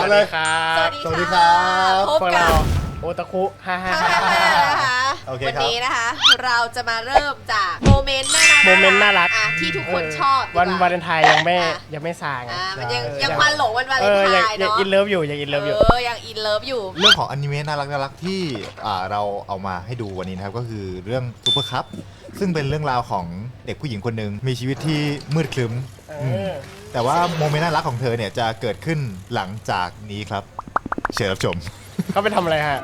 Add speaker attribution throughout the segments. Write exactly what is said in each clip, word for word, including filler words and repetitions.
Speaker 1: เลย
Speaker 2: สวัสดี
Speaker 1: สวัสดีครับ
Speaker 2: พบ
Speaker 3: พวก
Speaker 2: กั
Speaker 3: เรา
Speaker 2: บ
Speaker 3: โอตาคุฮ่าฮ่า
Speaker 2: ฮ่าฮ่าฮ่านะคะ
Speaker 1: โอเค
Speaker 2: วัน
Speaker 1: ครับ
Speaker 2: นี้นะคะ เราจะมาเริ่มจากโมเมนต์น่ารัก
Speaker 3: โมเมนต์น่ารัก
Speaker 2: อ่ะที่ทุกคน
Speaker 3: เ
Speaker 2: ชอบดีก
Speaker 3: วันวาเลนไทน์ยังไม่
Speaker 2: อ่ะ
Speaker 3: ยังไม่สาง
Speaker 2: อ่ะมันยัง
Speaker 3: เออ
Speaker 2: ยังควันหลงวันวาเล
Speaker 3: เอน อ
Speaker 2: ไท
Speaker 3: ยัง
Speaker 2: น์
Speaker 3: ยัง
Speaker 2: เนาะ
Speaker 3: อินเลิฟอยู่ยังอินเลิฟอยู่
Speaker 2: เออยังอินเลิฟอยู่
Speaker 1: เรื่องของอนิเมะน่ารักน่ารักที่อ่าเราเอามาให้ดูวันนี้นะครับก็คือเรื่องซูเปอร์คัพซึ่งเป็นเรื่องราวของเด็กผู้หญิงคนหนึ่งมีชีวิตที่มืดครึ้ม
Speaker 3: เอ
Speaker 1: ม
Speaker 3: อ
Speaker 1: แต่ว่าโมเมนต์น่ารักของเธอเนี่ยจะเกิดขึ้นหลังจากนี้ครับเชิญรับชม
Speaker 3: เขาไปทำอะไรฮะ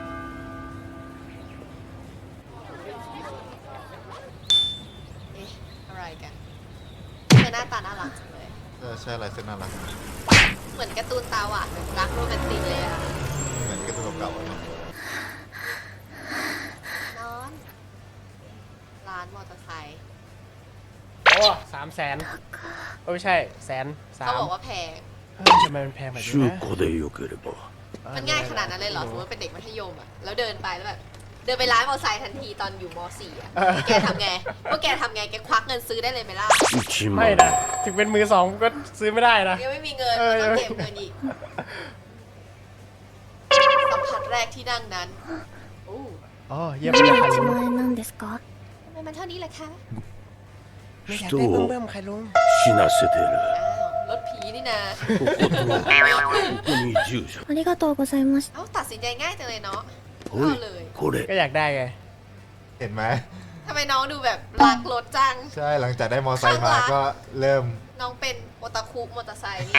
Speaker 2: เอ๊ะอะไรกันเธอหน้าตาน่ารักจังเลย
Speaker 1: เออใช่อะไรซึ่งน่ารัก
Speaker 2: เหมือนการ์ตูนตาหวานแบบรักโรแมนติกเลยอะ
Speaker 1: เหมือนการ์ตูนเก่าๆเนอะ
Speaker 2: นอนร้านมอเตอร์ไซค์
Speaker 3: โอ้สามแสนโอ้ไม่ใช่แสนสา
Speaker 2: เขา
Speaker 3: ม
Speaker 2: บอกว่าแพง
Speaker 3: เฮ้ยทำไมมันแพงแบบนี้
Speaker 4: 中
Speaker 3: นะ
Speaker 4: 古でよければ
Speaker 2: มันง่ายขนาดนั้นเลยเหรอสมมติว่าเป็นเด็กมัธยมอะแล้วเดินไปแล้วแบบเดินไปร้านมอเตอร์ไซค์ทันทีตอนอยู่ม .สี่ อะแกทำไงพวกแกทำไงแกควักเงินซื้อได้เลยไหมล่ะ
Speaker 4: 一
Speaker 3: ไม่
Speaker 4: 万
Speaker 3: นะถึงเป็นมือสองก็ซื้อไม่ได้นะ
Speaker 2: ยังไม่มีเงิน
Speaker 3: เออ
Speaker 2: ก็ต้องเก็บเงินอีกสัมผัสแรกที่นั่งนั้นโอ้
Speaker 3: อ๋อเยี่ยมเลยค่ะ
Speaker 5: 1
Speaker 3: ลุง
Speaker 5: 万円なんですか？
Speaker 2: ทำไมมันเท่านี้ล่ะคะ
Speaker 3: ไม่อยาก
Speaker 4: 人
Speaker 3: ได้เบิ่ม
Speaker 4: を
Speaker 3: เบิ่มใครลุง
Speaker 4: 死なせてる
Speaker 2: อ้าวรถผีนี่นะ
Speaker 4: こことここに住所
Speaker 5: ありがとうございました。
Speaker 2: เอ้าตัดสินใจง่ายจังเลยเนาะ
Speaker 4: お
Speaker 2: เอา
Speaker 4: い
Speaker 2: เลย
Speaker 4: これ
Speaker 3: ก็อยากได้ไง
Speaker 1: เห็นไหม
Speaker 2: ทำไมน้องดูแบบรักรถจัง
Speaker 1: ใช่หลังจากได้มอไซค์มาก็เริ่ม
Speaker 2: น้องเป็นโอตาคุมอเตอร์ไซค์นี่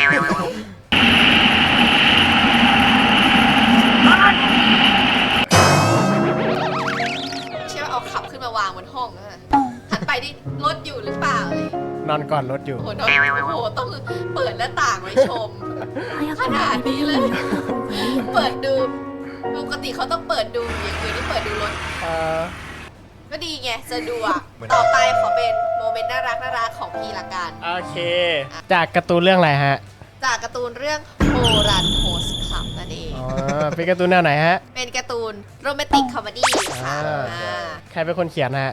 Speaker 2: ใช่ว่าเอาขับขึ้นมาวางบนห้องนะหันไปดิรถอยู่หรือเปล่าอะไรอย่างเงี้ย
Speaker 3: นอนก่อนรถอยู่
Speaker 2: โอ้โหน้องโอ้โหต้องเปิดหน้าต่างไว้ชม
Speaker 5: 早く寝れるようになった方がいいよ。
Speaker 2: เปิดดูปกติเขาต้องเปิดดูอย่างอื่นที่เปิดดูรถ
Speaker 3: เออ
Speaker 2: ก็ดีไงสะดวกต่อไปขอเป็นโมเมนต์น่ารักน่ารักของพี่ละกัน
Speaker 3: โอเค จากการ์ตูนเรื่องอะไรฮะ
Speaker 2: จากการ์ตูนเรื่องโบรันโฮสคลับนั่นเอง
Speaker 3: อ๋อเป็นการ์ตูนแนวไหนฮะ
Speaker 2: เป็นการ์ตูนโรแมนติกคอมเมดี้ค่ะ
Speaker 3: อ่า
Speaker 2: อ่า
Speaker 3: ใครเป็นคนเขียนฮะ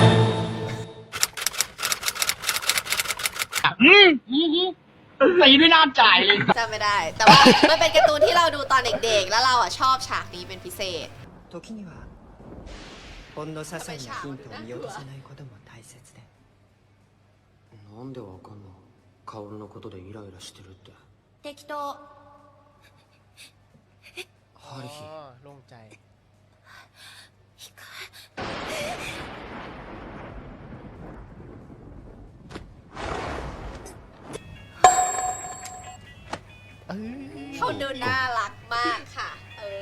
Speaker 6: ตีด้วยน้ำจ่ายเลย
Speaker 2: จำไม่ได้ แต่ว่ามันเป็นการ์ตูนที่เราดูตอนเด็กๆ แล้วเราอ่ะชอบฉากนี้เป็นพิเศษ
Speaker 6: 時にはほんの些細なヒントを見落とさないことも大切で
Speaker 7: なんでわかんの薫のことでイライラしてるって
Speaker 5: 適当。
Speaker 7: ハリヒ
Speaker 3: อ๋อโล่งใจ
Speaker 2: เขาดูน่ารักมากค่ะ เออ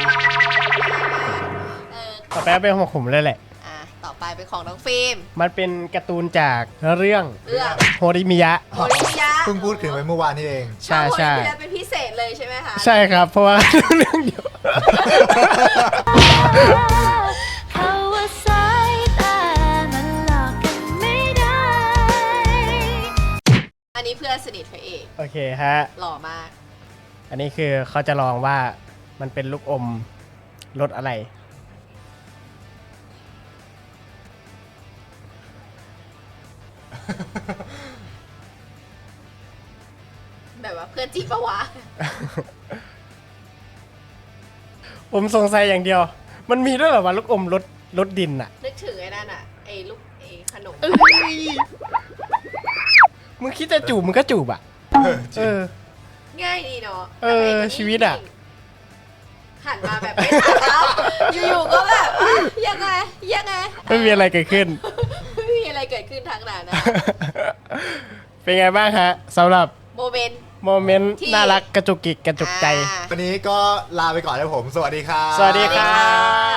Speaker 2: เออ
Speaker 3: ต่อไปก็เป็นของผมเลยแหละ
Speaker 2: อ่ะต่อไปเป็นของน้องฟิล์ม
Speaker 3: มันเป็นการ์ตูนจากเรื่อง
Speaker 2: เรื่อง
Speaker 3: โฮริมิยะ
Speaker 2: โมริมิยะ
Speaker 1: เพิ่งพูดถึงไปเมื่อวานนี้เอง
Speaker 3: ใช่ใช่
Speaker 2: โมริมิยะเป็นพิเศษเลยใช่ไหมคะ
Speaker 3: ใช่ครับ เพราะว่า เรื่องเดียว
Speaker 5: เขาว่าสายตามันหลอกกันไม่ได้
Speaker 2: อันนี้เพื่อนสนิทพระเอก
Speaker 3: โอเคฮะ
Speaker 2: หล่อมาก
Speaker 3: อันนี้คือเขาจะลองว่ามันเป็นลูกอมรสอะไร
Speaker 2: แบบว่าเพื่อนจีบปะวะ
Speaker 3: ผมสงสัยอย่างเดียว มันมีด้วยเหรอว่าลูกอมรสรสดินอะ
Speaker 2: นึกถึงไอ้นั่นอ่ะ ไอ้ลูกไอ้ขนม
Speaker 3: มึงคิดจะจูบมึงก็จูบอะเออ
Speaker 2: ง่ายดีเนาะ
Speaker 3: เออชีวิตอะ
Speaker 2: หันมาแบบไม่ทันแล้วอยู่ๆก็แบบอ่ะยังไงยังไง
Speaker 3: ไม่มีอะไรเกิดขึ้น
Speaker 2: ไม่มีอะไรเกิดขึ้นทางนั้นนะ
Speaker 3: เป็นไงบ้างฮะสำหรับ
Speaker 2: โมเมนต์
Speaker 3: โมเมนต์
Speaker 2: ที่
Speaker 3: น่ารักกระจุกกิกกระจุกใจ
Speaker 2: อ่า
Speaker 1: วันนี้ก็ลาไปก่อนนะผม สวัสดีครับ
Speaker 3: สวัสดีครับ